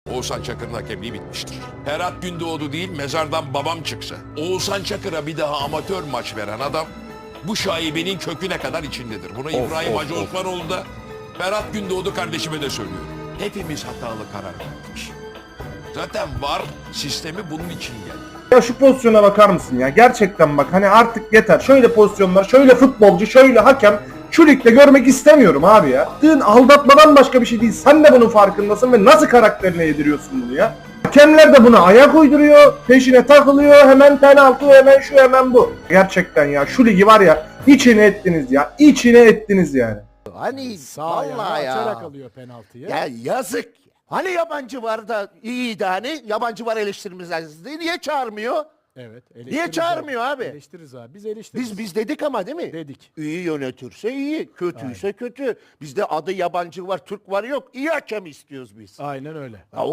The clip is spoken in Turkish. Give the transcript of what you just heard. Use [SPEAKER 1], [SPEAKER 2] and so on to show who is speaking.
[SPEAKER 1] Oğuzhan Çakır'ın hakemliği bitmiştir. Ferhat Gündoğdu değil, mezardan babam çıksa, Oğuzhan Çakır'a bir daha amatör maç veren adam bu şaibenin köküne kadar içindedir. Bunu İbrahim Hacı Osmanoğlu da, Ferhat Gündoğdu kardeşime de söylüyor. Hepimiz hatalı karar verdik. Zaten VAR sistemi bunun için geldi.
[SPEAKER 2] Ya şu pozisyona bakar mısın ya? Gerçekten bak hani artık yeter. Şöyle pozisyonlar, şöyle futbolcu, şöyle hakem şu ligde görmek istemiyorum abi ya. Dün aldatmadan başka bir şey değil. Sen de bunun farkındasın ve nasıl karakterine yediriyorsun bunu ya? Hakemler de buna ayak uyduruyor, peşine takılıyor, hemen penaltı, hemen şu, hemen bu. Gerçekten ya şu ligi var ya içine ettiniz ya. İçine ettiniz yani.
[SPEAKER 3] Hani
[SPEAKER 4] Sağ
[SPEAKER 3] vallahi
[SPEAKER 4] ayağına
[SPEAKER 3] ya.
[SPEAKER 4] açarak alıyor penaltıyı.
[SPEAKER 3] Ya yazık. Hani yabancı var da iyiydi hani yabancı var eleştirimiz lazım. Niye çağırmıyor?
[SPEAKER 4] Evet.
[SPEAKER 3] Niye çağırmıyor abi?
[SPEAKER 4] Eleştiririz abi. Biz eleştiririz.
[SPEAKER 3] Biz dedik ama değil mi?
[SPEAKER 4] dedik.
[SPEAKER 3] İyi yönetirse iyi, kötüyse kötü. Bizde adı yabancı var, Türk var yok. İyi hakem istiyoruz biz.
[SPEAKER 4] Aynen öyle.
[SPEAKER 3] Ya